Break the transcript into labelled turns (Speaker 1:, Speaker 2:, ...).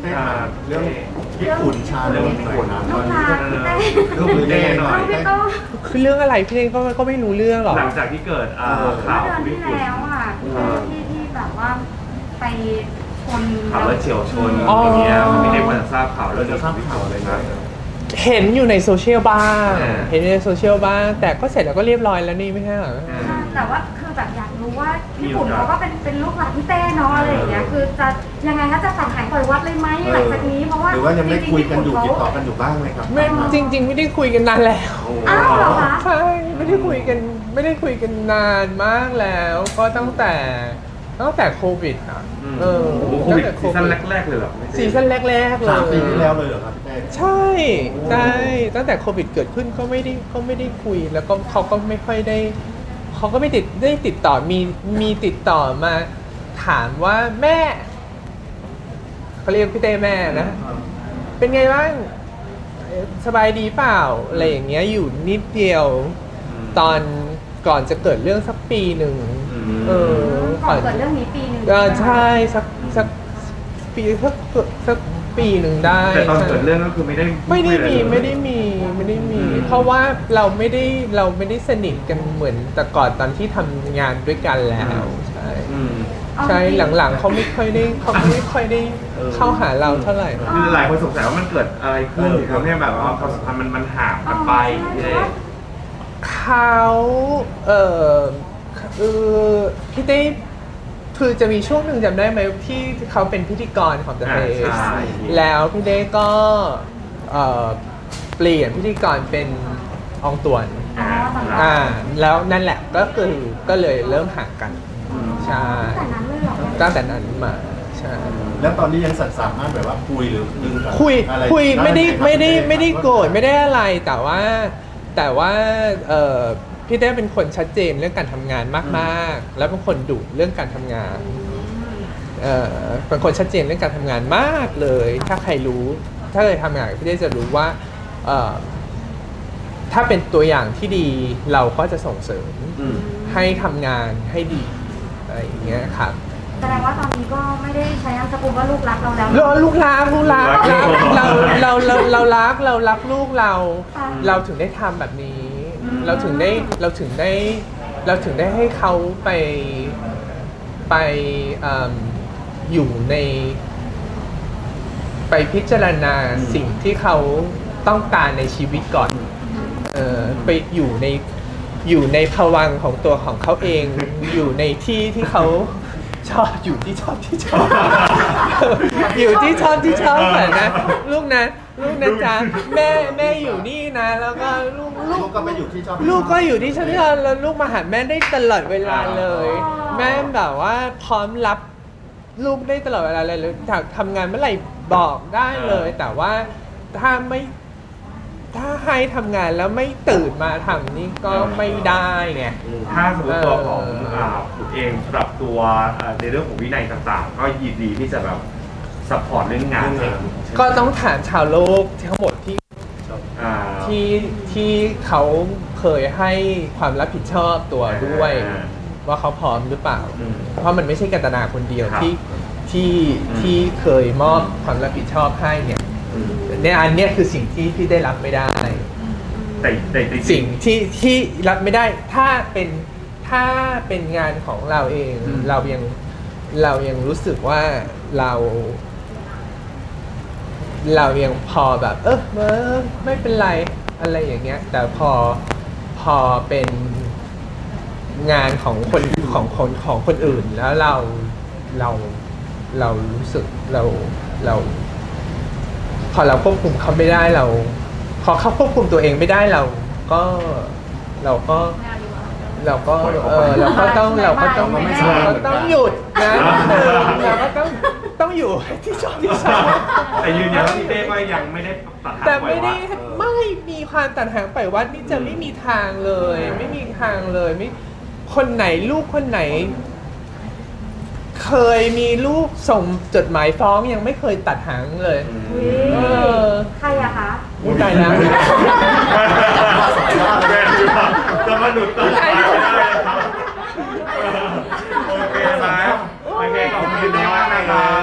Speaker 1: ต้เรื่องญี่ปุ่นชาเรื่องญี่ปุ่นนะตอนนี้
Speaker 2: ลูก
Speaker 1: เต้หน่อย
Speaker 3: คือเรื่องอะไรพี่เองก็ไม่รู้เรื่องหรอก
Speaker 2: หลังจากที่เกิดข่าว
Speaker 4: เดือนที่แล้วอ่ะที่แบบว่าไปชน
Speaker 2: ข่าวรถเฉียวชนอย่างเงี้ยไม่ได้มาทราบข่าวเรื่อง
Speaker 1: ทราบข่าวเลยนะ
Speaker 3: เห็นอยู่ในโซเชียลบ้างเห็นในโซเชียลบ้างแต่ก็เสร็จแล้วก็เรียบร้อยแล้วนี่ไม่ใช่เหรอ
Speaker 4: แต่ว่าคือแบบอยากรู้ว่าญี่ปุ่นเขาก็เป็นลูกหลานพี่เต้เนาะอะไรอย่างเงี้ยคือจะยังไงคะจะสั่งหายปล่อยวัดเลยไหมหลังจากนี้เพราะว่า
Speaker 1: หรือว่ายังไม่คุยกันอยู่ติดต่อกันอยู่บ้างไหมครับ
Speaker 3: ไม่จริงๆไม่ได้คุยกันนานแล้ว
Speaker 4: อ้าวเหรอคะ
Speaker 3: ใช่ไม่ได้คุยกันนานมากแล้วก็ตั้งแต่โควิดอ่ะ
Speaker 2: โควิดซีซั่นแรกๆเลยหรอ
Speaker 3: ซีซั่นแรกๆเลย
Speaker 1: 3 ปีที่แล้วเลยเหรอครับพี่เต้
Speaker 3: ใช่ตั้งแต่โควิดเกิดขึ้นก็ไม่ได้คุยแล้วก็เขาก็ไม่ค่อยได้เขาก็ไม่ได้ติดต่อมีติดต่อมาถามว่าแม่เขาเรียกพี่เต้แม่นะเป็นไงบ้างสบายดีเปล่าอะไรอย่างเงี้ยอยู่นิดเดียวตอนก่อนจะเกิดเรื่องสักปีหนึ่ง
Speaker 4: ก่อนเกิดเรื่องนี้ปีหนึ่ง
Speaker 3: ใช่สักปีสักปีหนึ่งได้
Speaker 2: แต่ตอนเกิดเรื่องก็คือไม่ได้
Speaker 3: มีเพราะว่าเราไม่ได้สนิทกันเหมือนแต่ก่อนตอนที่ทำงานด้วยกันแล้วใช่หลังๆเขาไม่ค่อยได้เข้าหาเราเท่าไหร่
Speaker 2: คือหลายคนสงสัยว่ามันเกิดอะไรขึ้นทำให้แบบว่าความสัมพันธ์มันห่างกันไป
Speaker 3: เขาพี่เต้คือจะมีช่วงหนึ่งจำได้ไหมที่เขาเป็นพิธีกรของ The Face แล้วพี่เต้ก็เปลี่ยนพิธีกรเป็นอองตวนแล้วนั่นแหละก็เลยเริ่มห่างกันใช่ตั้งแต่นั้นมาใช่
Speaker 1: แล้วตอนนี้ยังสามารถแบบว่าคุยหรือ
Speaker 3: คุยไม่ได้โกรธไม่ได้อะไรแต่ว่าพี่เต้เป็นคนชัดเจนเรื่องการทำงานมากๆแล้วเป็นคนดุเรื่องการทำงานเป็นคนชัดเจนเรื่องการทำงานมากเลยถ้าใครรู้ถ้าเคยทำงานพี่เต้จะรู้ว่าถ้าเป็นตัวอย่างที่ดีเราก็จะส่งเสริมให้ทำงานให้ดีอะไรอย่างเงี้ยครับ
Speaker 4: แสดงว่าตอนนี้ก็ไม่ได้ใช้นามสกุลว่าลูกรักเราแล้ว
Speaker 3: ลูกรักเรารักลูกเราถึงได้ทำแบบนี้เราถึงได้ให้เขาไปอยู่ในไปพิจารณาสิ่งที่เขาต้องการในชีวิตก่อนไปอยู่ในภวังค์ของตัวของเขาเองอยู่ในที่เขาชอบอยู่ที่ชอบอยู่ที่ชอบเหมือนนะลูกนะจ๊ะแม่อยู่นี่นะแล้วก็ลูก
Speaker 1: ก็ไปอยู่ที่ชอบ
Speaker 3: ลูกก็อยู่ที่ชอบแล้วลูกมาหาแม่ได้ตลอดเวลาเลยแม่แบบว่าพร้อมรับลูกได้ตลอดเวลาเลยถ้าทำงานเมื่อไหร่บอกได้เลยแต่ว่าถ้าให้ทำงานแล้วไม่ตื่นมาทำนี่ก็ไม่ได้ไง
Speaker 2: ถ้าสมมติตัวของคุณเองปรับตัวในเรื่องของวินัยต่างๆก็ยินดีที่จะแบบซัพพอร์ตเรื่องงาน
Speaker 3: ก็ต้องถามชาวโลกทั้งหมดที่เขาเคยให้ความรับผิดชอบตัวด้วยว่าเขาพร้อมหรือเปล่าเพราะมันไม่ใช่กันตนาคนเดียวที่เคยมอบความรับผิดชอบให้เนี่ยในอันนี้คือสิ่งที่พี่ได้รับไม่ได้
Speaker 2: แต่
Speaker 3: สิ่งที่รับไม่ได้ถ้าเป็นงานของเราเองเรายังรู้สึกว่าเรายังพอแบบไม่เป็นไรอะไรอย่างเงี้ยแต่พอเป็นงานของคนอื่นแล้วเรารู้สึกเราพอเราควบคุมเขาไม่ได้พอเขาควบคุมตัวเองไม่ได้เราก็ต้องหยุดนะเราก็ต้องอยู่ที่ชอบ
Speaker 2: แต่ยืนยันว่าพี่เต้ก็ยังไม่ได้ตัดหาง
Speaker 3: แต่ไม่มีความตัดหางไปวัดนี่จะไม่มีทางเลยไม่มีทางเลยไม่คนไหนลูกคนไหนเคยมีลูกส่งจดหมายฟ้องยังไม่เคยตัดหางเลย
Speaker 4: ใครอะคะ
Speaker 3: อุ้ยตายแล้ว
Speaker 2: จะมาหลุดตัดหางไม่ได้โอเคไหมโอเคขอบคุณมากนะครับ